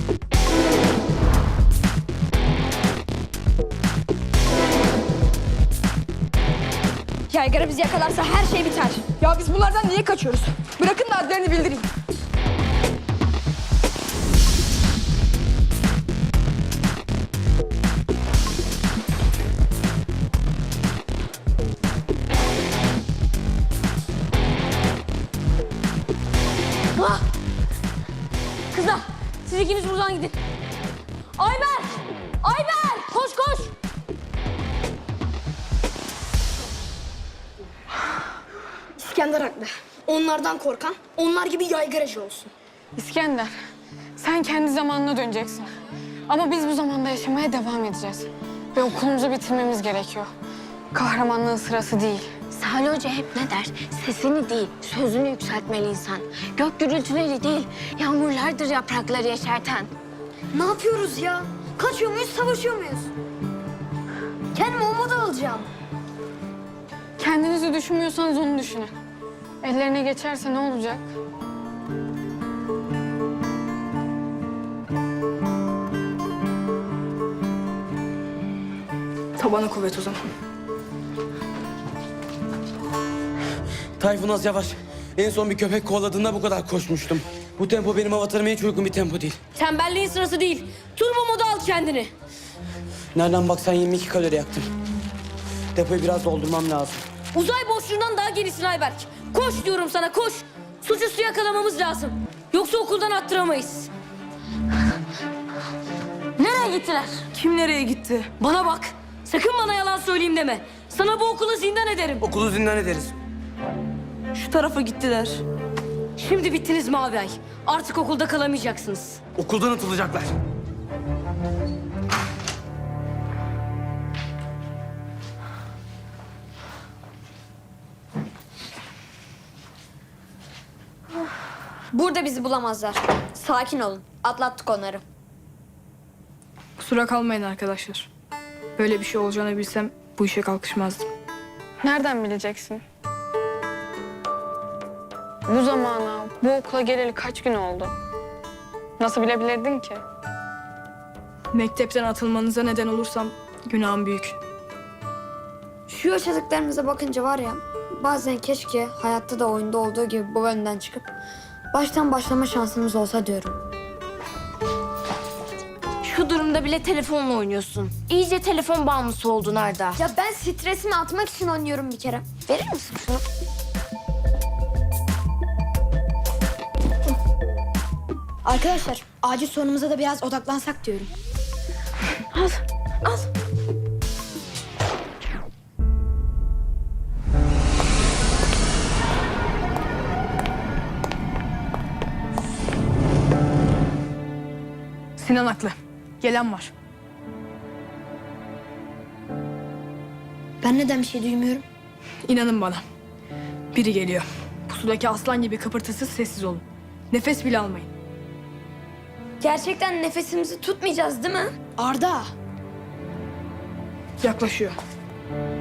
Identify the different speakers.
Speaker 1: Yaygara bizi yakalarsa her şey biter.
Speaker 2: Ya biz bunlardan niye kaçıyoruz? Bırakın da adlarını bildireyim.
Speaker 1: Ah! Kızlar, siz ikiniz buradan gidin. Ayber! Ayber! Koş koş!
Speaker 3: İskender haklı. Onlardan korkan, onlar gibi yaygaracı olsun.
Speaker 4: İskender, sen kendi zamanına döneceksin. Ama biz bu zamanda yaşamaya devam edeceğiz. Ve okulumuzu bitirmemiz gerekiyor. Kahramanlığın sırası değil.
Speaker 5: Salih Hoca hep ne der? Sesini değil, sözünü yükseltmeli insan. Gök gürültüleri değil, yağmurlardır yaprakları yeşerten.
Speaker 3: Ne yapıyoruz ya? Kaçıyor muyuz, savaşıyor muyuz? Kendime umut alacağım.
Speaker 4: Kendinizi düşünmüyorsanız onu düşünün. Ellerine geçerse ne olacak?
Speaker 2: Tabana kuvvet o zaman.
Speaker 6: Tayfun az yavaş. En son bir köpek kovaladığında bu kadar koşmuştum. Bu tempo benim avatarıma hiç uygun bir tempo değil.
Speaker 1: Tembelliğin sırası değil. Turbo moda al kendini.
Speaker 6: Nereden baksan 22 kalori yaktım. Depoyu biraz doldurmam lazım.
Speaker 1: Uzay boşluğundan daha genisin Ayberk. Koş diyorum sana, koş. Suçüstü yakalamamız lazım. Yoksa okuldan attıramayız. Nereye gittiler?
Speaker 2: Kim nereye gitti?
Speaker 1: Bana bak. Sakın bana yalan söyleyeyim deme. Sana bu okulu zindan ederim.
Speaker 6: Okulu zindan ederiz.
Speaker 2: Şu tarafa gittiler.
Speaker 1: Şimdi bittiniz Mavi Ay. Artık okulda kalamayacaksınız.
Speaker 6: Okuldan atılacaklar.
Speaker 1: Burada bizi bulamazlar. Sakin olun. Atlattık onları.
Speaker 2: Kusura kalmayın arkadaşlar. Böyle bir şey olacağını bilsem bu işe kalkışmazdım.
Speaker 4: Nereden bileceksin? Bu zamana, bu okula geleli kaç gün oldu? Nasıl bilebilirdin ki?
Speaker 2: Mektepten atılmanıza neden olursam günahım büyük.
Speaker 7: Şu yaşadıklarımıza bakınca var ya, bazen keşke hayatta da oyunda olduğu gibi bu yönden çıkıp baştan başlama şansımız olsa diyorum.
Speaker 5: Şu durumda bile telefonla oynuyorsun. İyice telefon bağımlısı oldun Arda.
Speaker 7: Ya ben stresimi atmak için oynuyorum bir kere. Verir misin şunu? Arkadaşlar, acil sorunumuza da biraz odaklansak diyorum.
Speaker 2: Sinan haklı. Gelen var.
Speaker 7: Ben neden bir şey duymuyorum?
Speaker 2: İnanın bana. Biri geliyor. Pusudaki aslan gibi kıpırtısız sessiz olun. Nefes bile almayın.
Speaker 7: Gerçekten nefesimizi tutmayacağız değil mi?
Speaker 3: Arda,
Speaker 2: Yaklaşıyor.